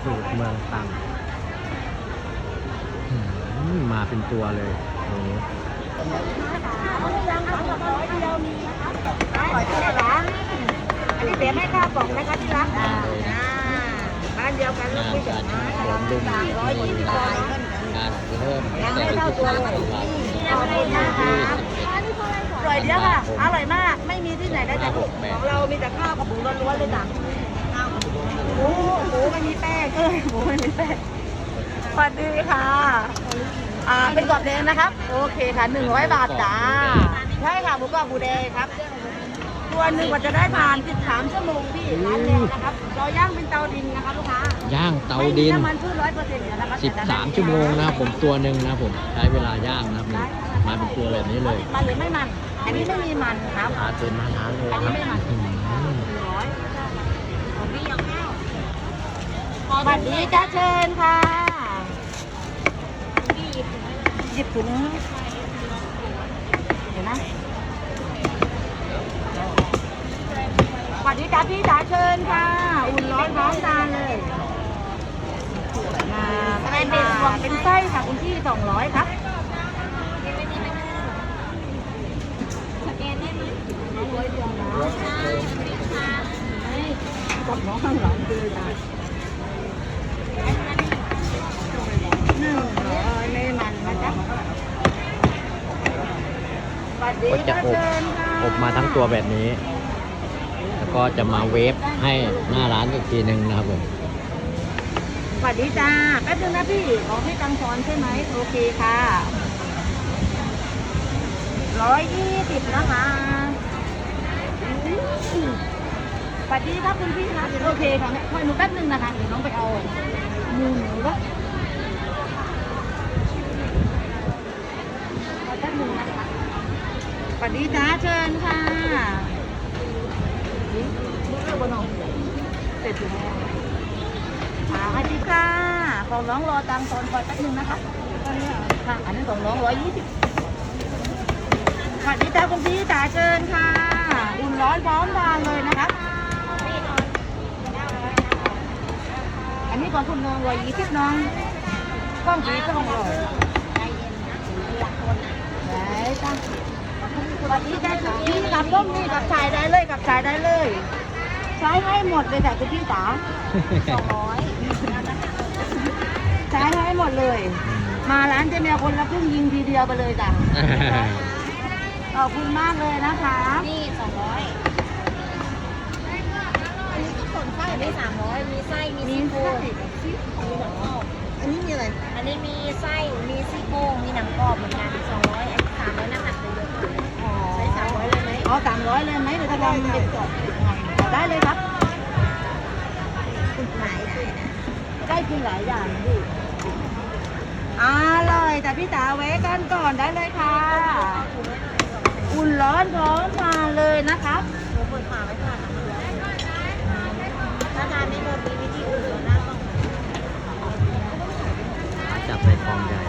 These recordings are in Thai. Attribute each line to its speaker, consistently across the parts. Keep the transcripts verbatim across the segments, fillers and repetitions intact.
Speaker 1: สูตรเมืองตรังอืมมาเป็นตัวเลยโอ้โห
Speaker 2: ยังสองกับร้อยเดียวมีนะครับร้อยเท่าไหร่ละอันนี้เสียไม่ค่าปอกนะคะที่รักอ่าบ้านเดียวกันลูกพี่จ๋าสามร้อยยี่สิบบาท
Speaker 1: งานเริ่ม
Speaker 2: ยังไม่เท่าตัวเลยขอบคุณนะคะอร่อยเดียวค่ะอร่อยมากไม่มีที่ไหนได้แต่ของเรามีแต่ข้าวกับหมูล้วนๆเลยจ้ะหมูหมูไม่มีแป้งเอ้ยหมูไม่มีแป้งสวัสดีค่ะอ่าเป็นกรอบแดงนะครับโอเคค่ะหนึ่งร้อยบาทจ้าใช่ค่ะหมูกรอบหมูแดงครับตัวหนึ่งกว่าจะได้ทานสิบสามชั่วโมงพี่ร้านแดงนะครับเราย่างเป็นเตาดินนะคะลูกค้า
Speaker 1: ย่างเตาดิน
Speaker 2: ไม่มีน้ำมันพืชร้อยเปอร์เซ็นต์นะคะ
Speaker 1: สิบสามชั่วโมงนะครับผมตัวหนึ่งนะครับผมใช้เวลาย่างนะครับนี่มาเป็นตัวแบบนี้เลย
Speaker 2: มันหรือไม่มันอันนี้ไม่มีมันครับ
Speaker 1: ทานเป็นมาทานเลย
Speaker 2: อัน
Speaker 1: ค
Speaker 2: นี้
Speaker 1: รับ
Speaker 2: ไม่มัน
Speaker 1: อืม
Speaker 2: ร้อยของพี่ยังข้าวสวัสดีจ้าเชิญค่ะหยิบถุงเห็นไหมสวัสดีจ้าพี่จ๋าเชิญค่ะอุ่นร้อนพร้อมทานเลยมาเป็นเป็นไส้ค่ะคุณพี่สองร้อยครับกับน้องข้างหลังคือจ้ะหนึ่งร้อยไม่มันนะจ๊ะสวัสดี
Speaker 1: ก็จะ
Speaker 2: ค่ะ
Speaker 1: อบ
Speaker 2: เชิญค่ะ
Speaker 1: อบมาทั้งตัวแบบนี้ แล้วก็จะมาเวฟให้หน้าร้านอีกทีหนึ่งนะครับผม
Speaker 2: สวัสดีจ้าแป๊บนึงนะพี่ของพี่ตังสอนใช่ไหมโอเคค่ะร้อยยี่สิบนะคะสวัสดีครับคุณพี่ครับโอเคค่ะคอยหนูแป๊บนึงนะคะเดี๋ยวน้องไปเอาหมูหนูก็แป๊บนึงนะคะสวัสดีจ้าเชิญค่ะนี่เรื่องบนหนองเสร็จอยู่แล้วมาสวัสดีค่ะของน้องรอตังตอนคอยแป๊บนึงนะคะค่ะอันนี้ของน้องร้อยยี่สิบสวัสดีจ้าคุณพี่จ๋าเชิญค่ะอุ่นร้อนพร้อมทานเลยนะคะอันนี้ของคุณน้องร้อยยี่สิบน้องกล้องสีกล้องเลยได้จ้าสวัสดีจ้าคุณพี่กับต้มนี่กับชายได้เลยกับชายได้เลยใช้ให้หมดเลยจ้ะคุณพี่จ๋าสองร้อยใช้ให้หมดเลย มาร้านเจเมียคนละครึ่งยิงทีเดียวไปเลยจ้ะขอบคุณมากเลยนะคะนี่สองร้อยอันนี้ก็ส่วนไส้ได้สามร้อยมีไส้มีซี่โครงมีหนังกรอบอันนี้มีอะไรอันนี้มีไส้มีซี่โครงมีหนังกรอบเหมือนกันสองร้อยสามร้อยน้ำหนักเลยค่ะใช้สามร้อยเลยไหมอ๋อสามร้อยเลยไหมเดี๋ยวจะลองเป็นกรอบได้เลยครับหลายได้นะได้กินหลายอย่างดิอร่อยแต่พี่จ๋าแวะกันก่อนได้เลยค่ะอุ่นร้อนพร้อมทานเลยนะครับหนูเปิดฝาไว้ก่อนถ้าทานไม่หมดมีวิธีอุ่นแล้วหน้าต้อง
Speaker 1: จับใส่ทองใหญ่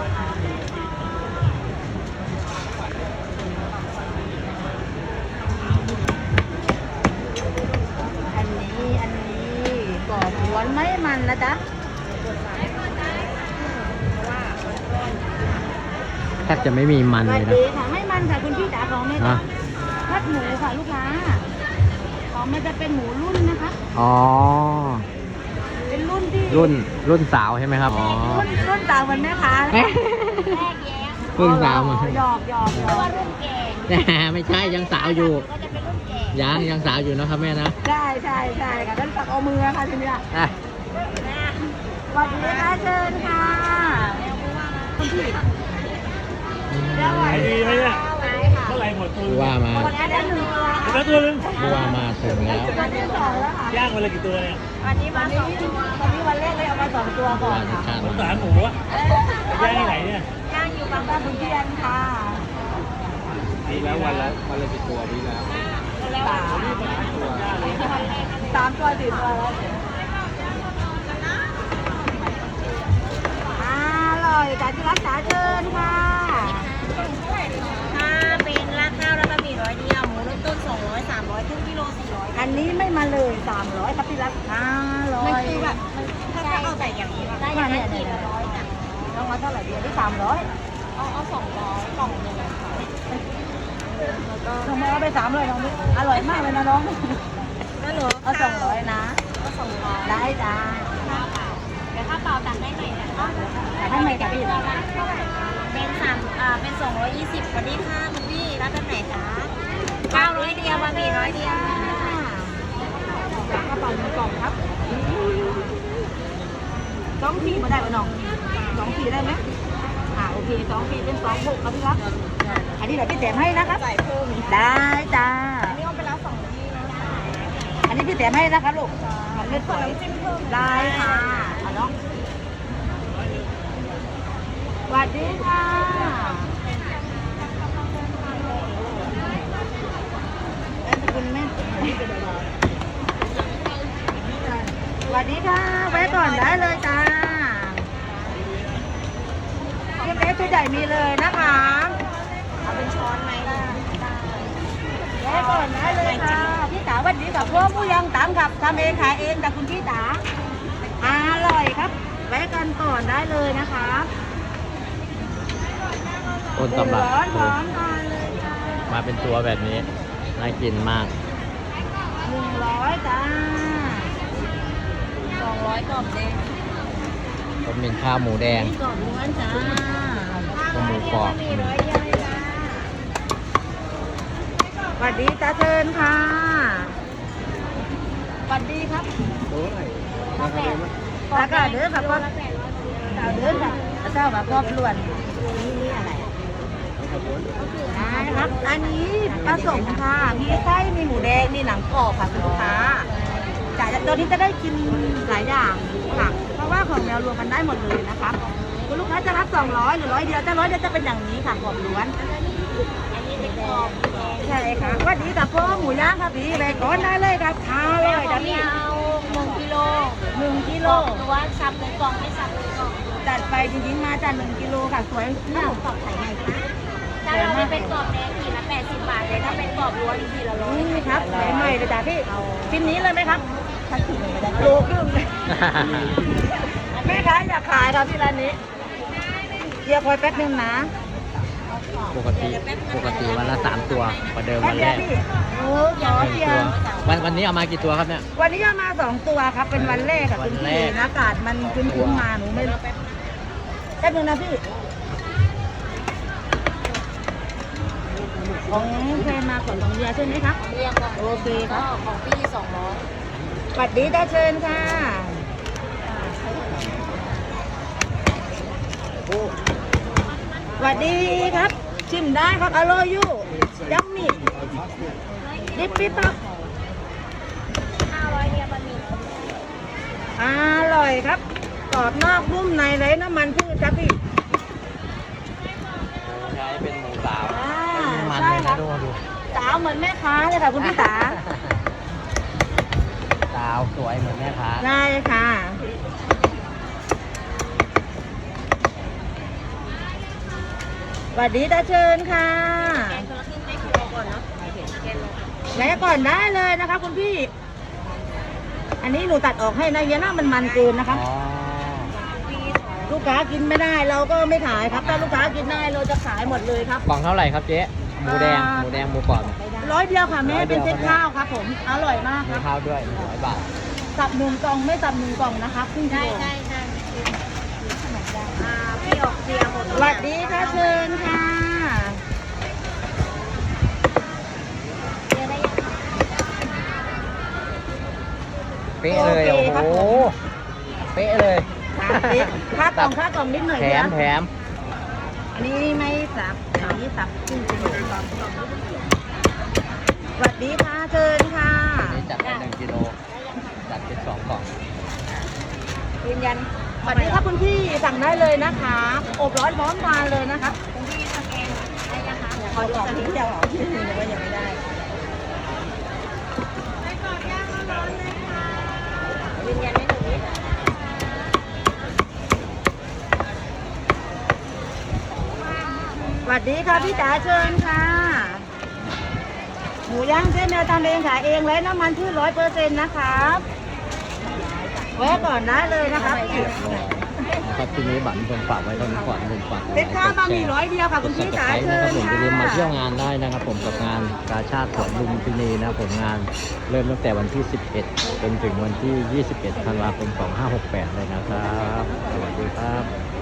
Speaker 2: อันนี้อันนี้กรอบหวานไม่มันนะจ๊ะ
Speaker 1: แทบจะไม่มีมัน
Speaker 2: ส
Speaker 1: เล
Speaker 2: วัส
Speaker 1: ยนะ
Speaker 2: ดีค่ะไม่มันค่ะคุณพี่จ๋าของเนี่ย
Speaker 1: อ่ะ
Speaker 2: พัดหมูค่ะลูกค้าของมันจะเป็นหมูรุ่นนะคะ
Speaker 1: อ๋อ
Speaker 2: เป็นรุ่นที่
Speaker 1: รุ่นรุ่นสาวใช่ไหมครับ อ๋อ
Speaker 2: รุ่นรุ่นต่างเหมือนแม่ค้าแรกแย้
Speaker 1: รุ่นสาวมา
Speaker 2: หยอกหยอกหยอกว่ารุ่นแก่
Speaker 1: ไม่ใช่ยังสาวอยู่
Speaker 2: ก็จะเป็นรุ่นแก่
Speaker 1: ยังยังสาวอยู่นะครับแม่นะ
Speaker 2: ใช่ใช่ใช่ค่ะท่านตักเอามือค่ะทีเนี้ย
Speaker 1: อ่ะ
Speaker 2: สวัสดีค่ะเชิญค่ะคุณพี่เดี๋ยว
Speaker 3: ขายดีไหมเนี่ย
Speaker 2: ค่ะ
Speaker 3: เท่าไหร่หมดตัว
Speaker 1: ผู้ว่ามา
Speaker 2: คนนี้ได้หนึ่งตัว
Speaker 3: หมดแล้วตัวนึง
Speaker 1: ผู้ว่ามาถึงแล้ว
Speaker 2: วันที่สองแล้วค่ะ
Speaker 3: ย่างวันละกี่ตัวเนี่ย
Speaker 2: วันนี้มาสองตัววันนี้วันแรกเลยเอามาสองตัวก่อนค่ะ
Speaker 3: สงสารหมูอะย่างที่ไหนเนี่ย
Speaker 2: ย่างอยู่บางบ้านคุณเทียนค่ะ
Speaker 3: มีแล้ววันละวันละกี่ตัวมีแล้ว
Speaker 2: สามสามตัวสี่ตัวแล้วอร่อยจากที่รักษาเชิญค่ะถ้าเป็นราดข้าวแล้วก็มีร้อยเดียวหมูเริ่มต้นสองร้อยสามร้อยครึ่งกิโลสี่ร้อยอันนี้ไม่มาเลยสามร้อยครับที่รักอร่อยมันคือแบบถ้าจะเอาใส่อันนี้สามร้อย
Speaker 4: เอาเอาสองร้อยกล่องหนึงค่ะแล้วก็
Speaker 2: น้องเอาไปสามร้อยน้องนี่อร่อยมากเลยนะน้อง
Speaker 4: ก็เหลือ
Speaker 2: เอาสองร้อยนะ
Speaker 4: ก็สองร้อย
Speaker 2: ได้จ้า
Speaker 4: ค่าเปล่าเดี๋ยวค่าเปล่าตัดได้ไหมนะคะ
Speaker 2: ให้ไหมกับพี่
Speaker 4: เป็นสามอ่าเป็นสองร้อยยี่สิบสวัสดีค่ะคุณพี่รับเป็นไหนคะเก้าร้อยเดียวบะหมี่ร้อยเดียว
Speaker 2: จากกระเป๋าหนึ่งกล่องครับสองขีดมาได้ไหมน้องสองขีดได้ไหมอ่าโอเคสองขีดเป็นสองหกครับพี่ครับอันนี้เดี๋ยวพี่แถมให้นะครับ
Speaker 4: ใส่เพิ่มอีก
Speaker 2: ได้จ้า
Speaker 4: อันนี้เอาไปแล้วสองที่นะคะ
Speaker 2: อันนี้พี่แถมให้นะครับลูกมันไม่สวย
Speaker 4: น้ำจิ้มเพิ่ม
Speaker 2: ได้ค่ะเอาน้องสวัสดีค่ะคุณแม่สวัสดีค่ะไว้ก่อนได้เลยจ้าเทียมเล็กตัวใหญ่มีเลยนะคะ
Speaker 4: เอาเป็นช้อนไหมได้
Speaker 2: ไว้ก่อนได้เลยค่ะพี่จ๋าวันนี้กับพ่อผู้ยังตามกับทำเองขายเองจากคุณพี่จ๋าอร่อยครับไว้กันก่อนได้เลยนะคะ
Speaker 1: ต้นตำรับ
Speaker 2: ร้อน
Speaker 1: คือ
Speaker 2: ร้อนทานเลยจ้า
Speaker 1: มาเป็นตัวแบบนี้ น่ากินมาก
Speaker 2: หนึ่งร้อยจ้า
Speaker 4: สองร้อยกล่องแดง
Speaker 1: ต้มเป็นข้าวหมูแดง
Speaker 2: กรอบล้วนจ้า
Speaker 1: ก็หมูกรอบ
Speaker 4: มีร้อยเดียวเลยจ้า
Speaker 2: สวัสดีจ้าเชิญค่ะสวัสดีครับ
Speaker 4: ราคา
Speaker 2: ราคาเด้อครับก็
Speaker 4: ละแปดร้อย
Speaker 2: เจ้าเด้อครับเจ้าแบบรอบล้วนนี่นี่อะไรนะครับ อันนี้ผสมค่ะ มีไส้มีหมูแดง มีหนังกรอบค่ะคุณลูกค้าจ่ายตัวนี้จะได้กินหลายอย่างค่ะ เพราะว่าของแมวรวมกันได้หมดเลยนะคะคุณลูกค้าจะรับสองร้อยหรือร้อยเดียวถ้าร้อยเดียวจะเป็นอย่างนี้ค่ะกรอบล้วน
Speaker 4: อันนี้เป็นกรอบ
Speaker 2: ใช่ค่ะสวัสดีกับพ่อหมูย่างค่ะพี่ไปก่อนได้เลยครับทาเล
Speaker 4: แม่
Speaker 2: ย
Speaker 4: ขอ
Speaker 2: จ้ะ
Speaker 4: ง
Speaker 2: พี่
Speaker 4: เราหนึ่งกิโล
Speaker 2: หนึ่งกิ
Speaker 4: ก
Speaker 2: โล
Speaker 4: ล่องหรือว่าสับเป็นกล่องไม่สับเป็นกล่อง
Speaker 2: จัดไปจริงๆมาจากหนึ่งกิโลค่ะสวย
Speaker 4: ถ้า
Speaker 2: เนี่ย
Speaker 4: หมูกรอบไข่ไงคะถ้าเราไม่เป็นกรอบแดงขีดละแปดสิบบาทเลยถ้าเป็นกรอบล้วนขีดละร้อย
Speaker 2: นี่ครับใหม่ๆเลยจ้ะพี่ชิ้นนี้เลยไหมครับ
Speaker 4: ถ้าขีดหนึ่งไม่ได้
Speaker 2: โลครึ่งเลยแม่ค้าอยากขายครับที่ร้านนี้เดี๋ยวคอยแป๊บนึงนะ
Speaker 1: ปกติปกติวันละสามตัวประเดิม
Speaker 2: แป๊
Speaker 1: วั
Speaker 2: บ
Speaker 1: น
Speaker 2: เดี
Speaker 1: แร
Speaker 2: ยว
Speaker 1: ก
Speaker 2: พี่โอ้ขอ
Speaker 1: หนึ่ง
Speaker 2: เพีย
Speaker 1: ตัว
Speaker 2: ง
Speaker 1: วันวันนี้เอามากี่ตัวครับเนี่ย
Speaker 2: วันนี้เอามาสองตัวครับ เป็นวันแรกค่ะ
Speaker 1: วั
Speaker 2: คุ
Speaker 1: น
Speaker 2: ณ
Speaker 1: แร
Speaker 2: พี่
Speaker 1: ก
Speaker 2: อากาศมันคุ้นๆมาหนูไม่แป๊บนึงนะพี่ ของแฟนมาก่อนของเดียใช่ไหมครับ
Speaker 4: เรียงก่อน
Speaker 2: โอเคครับ
Speaker 4: ก็ของพี่สองร้อย
Speaker 2: สวัสดีจ้าเชิญค่ะสวัสดีครับ ชิมได้ครับอร่อยอยู่ยัมมี่ดิปปี้ปั๊บ
Speaker 4: ห้าร้อยเดียวบะหมี่
Speaker 2: อร่อยครับกรอบนอกนุ่มในเลยน้ำมันพืชครับพี่
Speaker 1: ใช้เป็นหมูสาว
Speaker 2: อ่า
Speaker 1: มัน
Speaker 2: ใช่
Speaker 1: เลย
Speaker 2: ครั
Speaker 1: นะ
Speaker 2: บ
Speaker 1: ดูดู
Speaker 2: สาวเหมือนแม่ค้าเลยค่ะคุณพี่สา
Speaker 1: สาวสวยเหมือนแม่ค้า
Speaker 2: ได้ค่ะ สวัสดีตาเชิญค่ะ
Speaker 4: แกงคนละครึ่งให้คิวก่อนเนาะแกงลง
Speaker 2: แวะก่อนได้เลยนะคะคุณพี่ อันนี้หนูตัดออกให้นะเยน่ามันมันเกินนะคะ
Speaker 1: อ๋อ
Speaker 4: ปีสอง
Speaker 2: ลูกค้ากินไม่ได้เราก็ไม่ขายครับ ถ้าลูกค้ากินได้เราจะขายหมดเลยครับ
Speaker 1: กล่องเท่าไหร่ครับเจ๊หมูแดง
Speaker 2: อ่า
Speaker 1: หมูแดงหมูกรอบ
Speaker 2: ร้อยเดียวค่ะแม่
Speaker 1: ร้อยเดี
Speaker 2: เป็
Speaker 1: ย
Speaker 2: น
Speaker 1: ว
Speaker 2: เซ็ตข้าวครับผม อร่อยมากค
Speaker 1: มี
Speaker 2: รับ
Speaker 1: ข้าวด้วยหนึ่งร้อยบาท
Speaker 2: สับหนึ่งกล่องไม่สับหนึ่งกล่องนะคะครึ่งกิ
Speaker 4: ได้
Speaker 2: โล
Speaker 4: ได้ได้อ่าพี่ออกเสียหมด
Speaker 2: สวัสดีค่ะเชิญค่ะ
Speaker 4: เสียได้ยังคะ
Speaker 1: เป๊ะเลย
Speaker 2: โอ
Speaker 1: โอ้
Speaker 2: เคครับ
Speaker 1: โห
Speaker 2: ผม
Speaker 1: เป๊ะเลย
Speaker 2: ค่ากล่องค่ากล่องนิดหน่อย
Speaker 1: แถ
Speaker 2: เดีย
Speaker 1: ม
Speaker 2: ว
Speaker 1: แถม
Speaker 2: อันนี้ไม่สับอันนี้สับครึ่งกิโลสวัสดีค่ะเชิญค่ะ
Speaker 1: นี่จัดเป็นหนึ่งกิโลจัดเป็นสองกล่อง
Speaker 2: ยืนยันสวัสดีครับคุณพี่สั่งได้เลยนะคะอบร้อนพร้อมทานเลยนะคะ
Speaker 4: คุณพี่สแกนได้ยังคะ
Speaker 2: ขอดูสักนิดเดียวเหรอที่หนึ่งว่ายังไม่ได้
Speaker 4: ยืนยันได้หนึ่งนิด
Speaker 2: สวัสดีค่ะพี่จ๋าเชิญค่ะ หมูย่างเจ๊แมวทำเองขายเองเลยน้ำมันพืชร้อยเปอร์เซ็นต์นะครับแวะก่อนได้เลยนะครับ
Speaker 1: ครับที่นี้บัตรผมฝากไว้เท่านี้ก่อนผมฝาก
Speaker 2: เป็นข้าวบะหมี่ร้อยเดียวค่ะคุณพี่จ๋าเชิ
Speaker 1: นะครับ
Speaker 2: ญ
Speaker 1: ผม
Speaker 2: ค่ะ
Speaker 1: จะเรียนมาเที่ยวงานได้นะครับผมกับงานกาชาติสวนลุมพินีนะครับผมงานเริ่มตั้งแต่วันที่ สิบเอ็ด จนถึงวันที่ ยี่สิบเอ็ด ธันวาคม สองพันห้าร้อยหกสิบแปด เลยนะครับ สวัสดีครับ